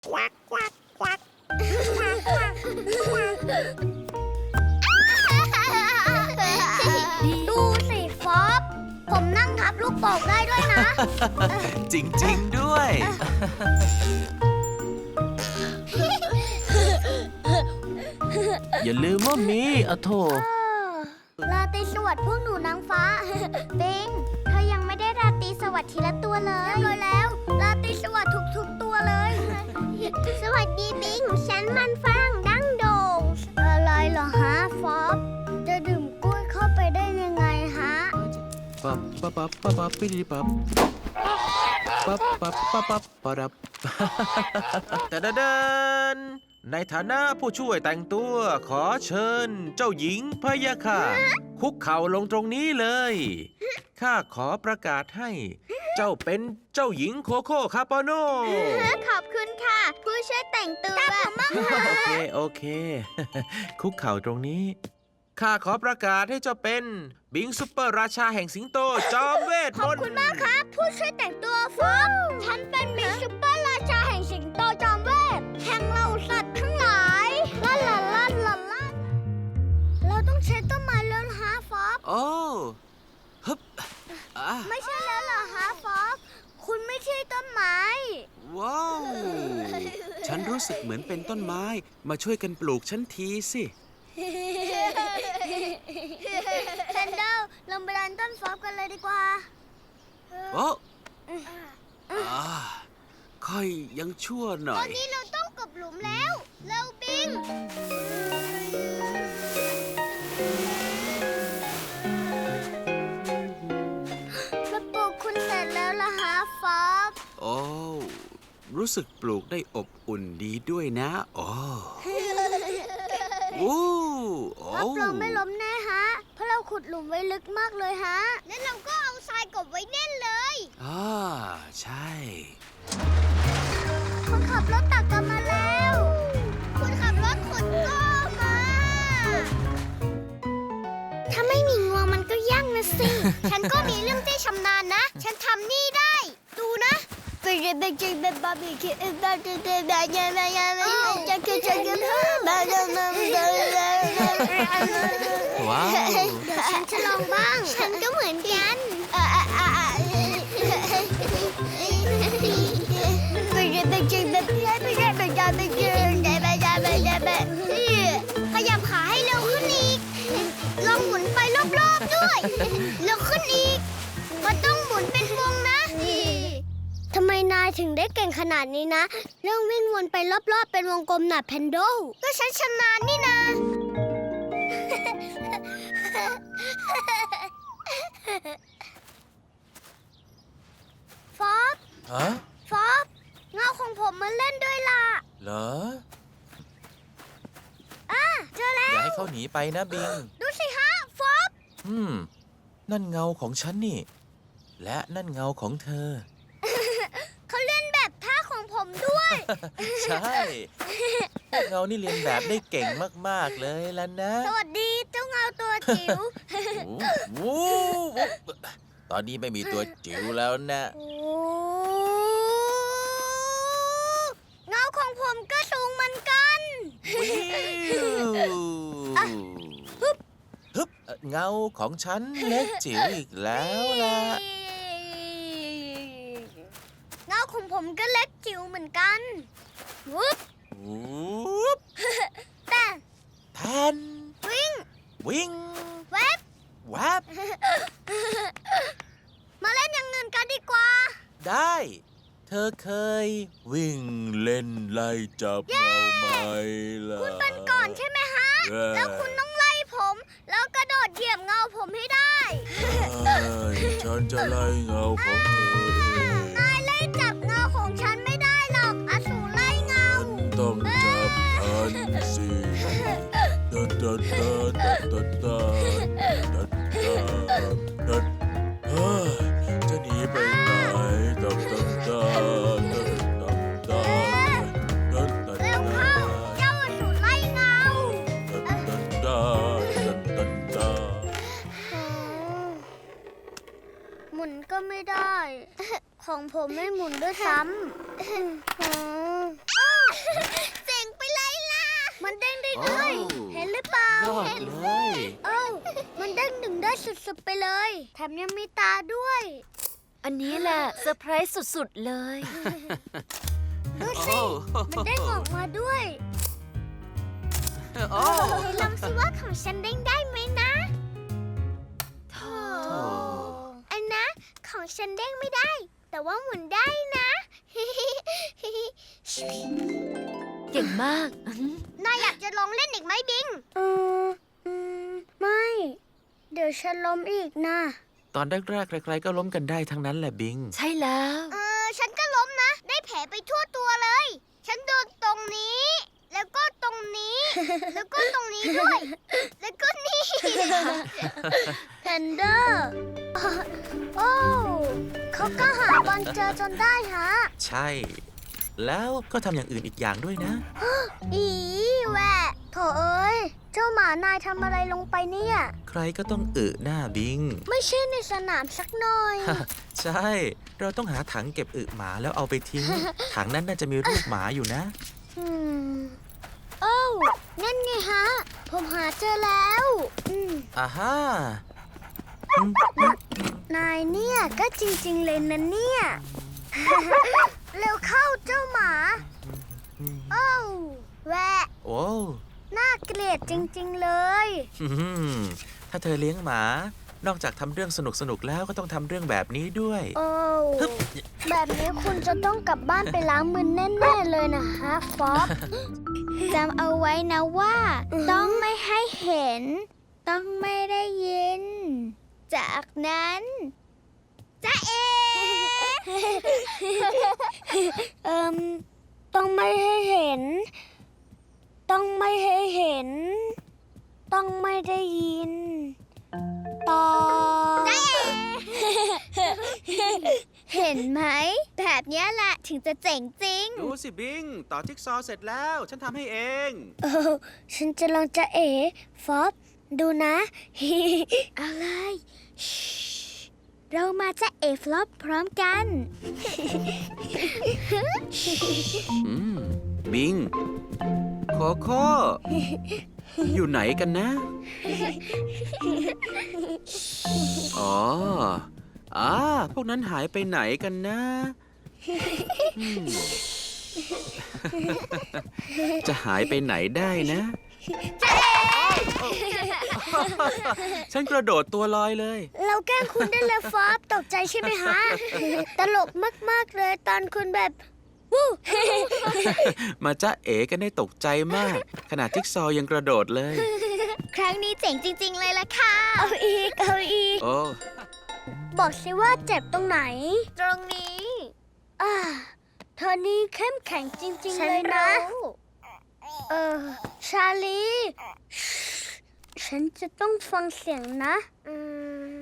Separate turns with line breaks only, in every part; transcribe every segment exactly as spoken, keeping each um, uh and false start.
ดูสิฟอบผมนั่งทับลูกโป่งได้ด้วยนะ
จริงๆด้วย อย่าลืมว่ามีอะโถ
ราตรีสวัสดิ์พวกหนูนางฟ้า บิงเธอยังไม่ได้ราตรีสวัสดิ์ทีละตัวเลยเรียบร้อยแล้วราตรีสวัสดิ์ทุกๆตัวเลย สวัสดีบิงฉันมันฝรั่งดั้งโด่งอะไรเหรอฮะฟอบจะดื่มกล้วยเข้าไปได้ยังไงฮะ
ปั๊บปั๊บปั๊บปั๊บปั๊บปิดิปั๊บปั๊บปั๊บปั๊บปั๊บปั๊บปั๊บแต่เดินในฐานะผู้ช่วยแต่งตัวขอเชิญเจ้าหญิงพะยะค่ะคุกเข่าลงตรงนี้เลยข้าขอประกาศให้เจ้าเป็นเจ้าหญิงโคโค่คาปาโน
ขอบคุณค่ะ ผู้ช่วยแต่งตัวตามผมบ้างค่ะ
โอเคโอเค คุกเข่าตรงนี้ข้าขอประกาศให้เจ้าเป็นบิงซุปเปอร์ราชาแห่งสิงโตจอมเวทมนต์
ขอบคุณมากครับ ผู้ช่วยแต่งตัวฟอบฉันเป็นมิสซุปเปอร์ราชาแห่งสิงโตจอมเวทแห่งเหล่าสัตว์ทั้งหลายลาลาลาลาลาเราต้องใช้ต้นไม้แล้วฮะฟอบ
โอ้ฮึบอ่ะ
ไม่ใช่แล้วเหรอฮะฟอบคุณไม่ใช่ต้นไม้
ว้าว ฉันรู้สึกเหมือนเป็นต้นไม้ มาช่วยกันปลูกฉันทีสิ
แพนเดลลงไปดันต้นฟอบกันเลยดีกว่า
โอ้อ่าค่อยยังชั่วหน่
ต
อ
อน
ย
นี้เราต้องกบหลุมแล้วเร็วบิงมาปลูกคุณเสร็จแล้วล่ะฮะฟอบ
โอ้ รู้สึกปลูกได้อบอุ่นดีด้วยนะโอ้โอ้โอ้
รับรองไม่ล้มแน่ฮะ เพราะเราขุดหลุมไว้ลึกมากเลยฮะ แล้วเราก็เอาทรายกบไว้แน่นเลย
อ่าใช่
คนขับรถตักกลับมาแล้วคนขับรถขุดก็มา ถ้าไม่มีงวงมันก็ยากนะสิ ฉันก็มีเรื่องที่ชำนาญนะ ฉันทำนี่ได้ ดูนะไปเรียนไปจริงเป็นบาร์บีคิวเป็นบาร์บีคิวแบบยังไงยังไงจะกินจะกินแบบยังไง
ว้าว
เดี๋ยวฉันจะลองบ้าง ฉันก็เหมือนกันไปเรียนไปจริงแบบยังไงยังไงยังไงยังไงยังไงยังไงขยับขาให้เร็วขึ้นอีก ลองหมุนไปรอบๆด้วยเร็วขึ้นอีกมันต้องหมุนเป็นวงนะทำไมนายถึงได้เก่งขนาดนี้นะ เรื่องวิ่งวนไปรอบๆเป็นวงกลมหนาแพนโดก็ฉันชำนาญนี่นะฟอบ
ฮะ
ฟอบเงาของผมมาเล่นด้วยล่ะ
เหรอ
อ่ะเจอแล้
อย่าว ให้เขาหนีไปนะบิง
ดูสิฮะฟอบ
อืม นั่นเงาของฉันนี่ และนั่นเงาของเธอ
เขาเล่นแบบท่าของผมด้วย
ใช่พวกเงานี่เรียนแบบได้เก่งมากๆเลยแล้วนะ
สวัสดีเจ้าเงาตัวจิ๋ว
โอ้โหตอนนี้ไม่มีตัวจิ๋วแล้วนะ
โอ้เงาของผมก็สูงเหมือนกัน
วิวฮึบฮึบเงาของฉันเล็กจิ๋วอีกแล้วล่ะ
เงาของผมก็เล็กจิ๋วเหมือนกันวุ๊บ
วูบ
แต่
แทน
วิ่ง
วิ่ง
เวฟ
แวบ
มาเล่นอย่างเงินกันดีกว่า
ได้ เธอเคย วิ่งเล่นไล่จับเงาไหมล่ะ
คุณเป็นก่อนใช่ไหมฮะ
เย้
แล้วคุณต้องไล่ผม แล้วกระโดดเหยียบเงาผมให้ได้
ใช่ฉันจะไล่เงาของเธอเอง
นายไล่จับเงาของฉันไม่ได้หรอกอสูรไล่เงา
ฉันต้องจับทันสิตาตาตาตาตาตาตาตาเฮ้ยจะหนีไปไหนตาตาตาตาตาตาตาตา
เร็วเข้า เจ้าอสูรไล่เงา
ตาตาตาตาตา
หมุนก็ไม่ได้ ของผมไม่หมุนด้วยซ้ำ
ดเลย
เอ้ามันเด้งดึงได้สุดๆไปเลย แถมยังมีตาด้วย
อันนี้แหละเซอร์ไพรส์สุดๆเลย
ดูสิ มันเด้งออกมาด้วย
โอ้
ไหนลองสิว่าของฉันเด้งได้ไหมนะโธ่อันนะของฉันเด้งไม่ได้ แต่ว่าหมุนได้นะ
เก่งมาก
นายอยากจะลองเล่นอีกไหมบิงอืมอืมไม่ เดี๋ยวฉันล้มอีกนะ
ตอนแรกๆใครๆก็ล้มกันได้ทั้งนั้นแหละบิง
ใช่แล้ว
เออฉันก็ล้มนะ ได้แผลไปทั่วตัวเลย ฉันโดนตรงนี้ แล้วก็ตรงนี้ แล้วก็ตรงนี้ด้วย แล้วก็นี่แพนเดอร์โอ้เขาก็หาบอลเจอจนได้ฮะ
ใช่ แล้วก็ทำอย่างอื่นอีกอย่างด้วยนะ
อีแหวะโถเอ้ย เจ้าหมานายทำอะไรลงไปเนี่ย
ใครก็ต้องอึหน้าบิง
ไม่ใช่ในสนามสักหน่อย
ใช่ เราต้องหาถังเก็บอึหมาแล้วเอาไปทิ้ง ถังนั้นน่าจะมีรูปหมาอยู่นะ
อืมโอ้วนั่นไงฮะ ผมหาเจอแล้วอืม
อ่าฮะ
นายเนี่ยก็จริงๆเลยนะเนี่ย เร็วเข้าเจ้าหมา โอ้วแหวะ
โอ้
น่าเกลียดจริงๆเลย
อืมถ้าเธอเลี้ยงหมา นอกจากทำเรื่องสนุกๆแล้วก็ต้องทำเรื่องแบบนี้ด้วย
โอ้ว
ฮึบ
แบบนี้คุณจะต้องกลับบ้านไปล้างมือแน่ๆเลยนะฮะฟอบ จำเอาไว้นะว่า ต้องไม่ให้เห็น ต้องไม่ได้ยิน จากนั้นจะเอ เอิมต้องไม่ให้เห็น ต้องไม่ให้เห็น ต้องไม่ได้ยิน ต่อ เห็นไหม แบบนี้แหละถึงจะเจ๋งจริง
ดูสิบิง ต่อจิ๊กซอว์เสร็จแล้ว ฉันทำให้เอง
เออฉันจะลองจะเอ๋ฟอบดูนะ อะไรชิเรามาจะเอ๋ฟลอปพร้อมกัน
อืม บิง โคโค่ อยู่ไหนกันนะ อ๋ออ่าพวกนั้นหายไปไหนกันนะอืม จะหายไปไหนได้นะ ฉันกระโดดตัวลอยเลย
เราแกล้งคุณได้เลยฟอบตกใจใช่ไหมฮะ ตลกมากๆเลยตอนคุณแบบวู้
มาจ้าเอ๋กันได้ตกใจมาก ขนาดจิ๊กซอว์ยังกระโดดเลย
ครั้งนี้เจ๋งจริง ๆ เลยล่ะค่ะ เอาอีก เอาอีก
โอ้
บอกสิว่าเจ็บตรงไหน ตรงนี้ อ่า เธอนี่เข้มแข็งจริง ๆ เลยนะ เออ ชาลี ฉันจะต้องฟังเสียงนะ อืม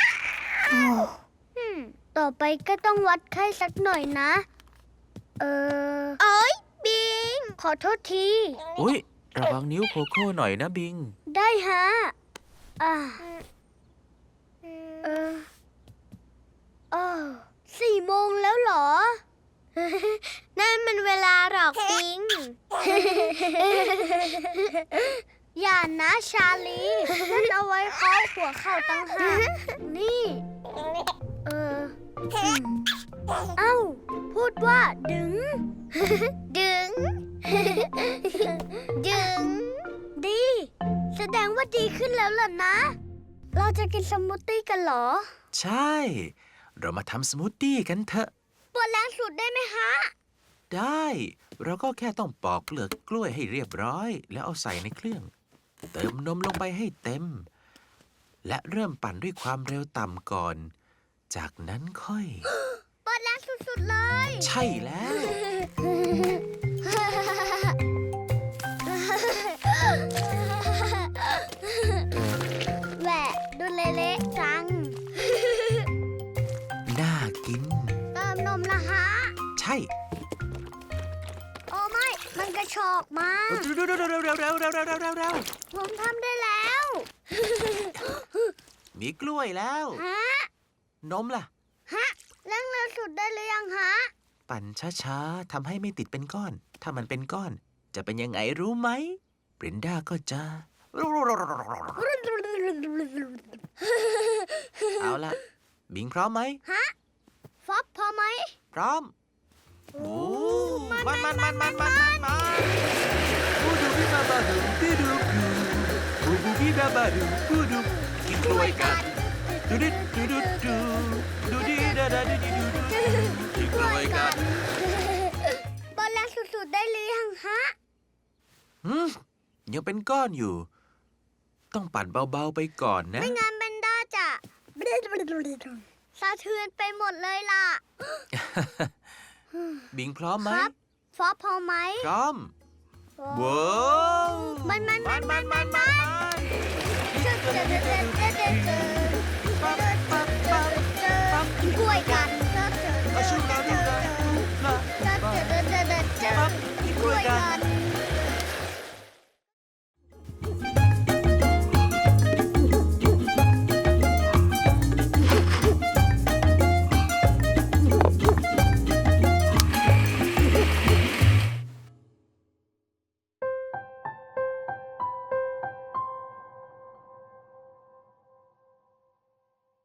อืมต่อไปก็ต้องวัดไข้สักหน่อยนะ เออโอ้ยบิง ขอโทษที
อุ้ยระวังนิ้วโคโค่หน่อยนะบิง
ได้ฮะ อ่า เออเออสี่โมงแล้วเหรอ นั่นมันเวลาหรอกปิง อย่านะชาลีนั่นเอาไว้เคาะหัวเข่าตั้งหากนี่ เอออืมเอ้า พูดว่าดึง ดึง ดึง ดี แสดงว่าดีขึ้นแล้วล่ะนะ เราจะกินสมูทตี้กันเหรอ
ใช่ เรามาทำสมูทตี้กันเถอะ
ปวดแรงสุดได้ไหมฮะ
ได้ เราก็แค่ต้องปอกเปลือกกล้วยให้เรียบร้อย แล้วเอาใส่ในเครื่อง เติมนมลงไปให้เต็ม และเริ่มปั่นด้วยความเร็วต่ำก่อน จากนั้นค่อย
ปวดแรงสุดๆเลย
ใช่แล้ว
แหวะดูเละๆจัง
น่ากิน
เติมนมละฮะ
ใช่
โอ้ไม่ มันกระชอกมา
เร็วเร็วเร็วเร็วเร็วเร็วเร็วเร็วเร็วเร็วเร็ว
ผมทำได้แล้ว
มีกล้วยแล้ว
ฮะ
นมล่ะ
ฮะเร่งเร็วสุดได้หรือยังฮะ
ปั่นช้าๆ ทำให้ไม่ติดเป็นก้อน ถ้ามันเป็นก้อน จะเป็นยังไงรู้ไหมบรินดาก็จะเอาละบิงพร้อมไหม
ฟอบพอไหม
พร้อมโอ้มันมันมันมันมันมันมันบูดูบิบาบาดูบิดูบูบูบิบาบาดูบูดูกินกล้วยกันดูดิดูดูดูดูดิดาดาดิดิดูดูกินกล้วยกัน
บอลแรงสุดๆได้หรือยังฮะ
หืมยังเป็นก้อนอยู่ ต้องปั่นเบาๆไปก่อนนะ
ไม่งั้นเบนด้าจะสะเทือนไปหมดเลยล่ะ
บิงพร้อมไหม
ครับ ฟอบพอไหม
พร้อมว้าว
มันมัน
มันมันมันมัน
เจอเจอเจอเจอเจอเจอเจอ
ปั๊บปั๊บปั๊บปั๊บ
กล้วยกันเจอเจอเจ
อา
อ
ชู
เจ
ลา
อ
ดู
เจอ
ดาดูลา
เจอเจอเจอเจอ
ปั๊บกินกล้วยกัน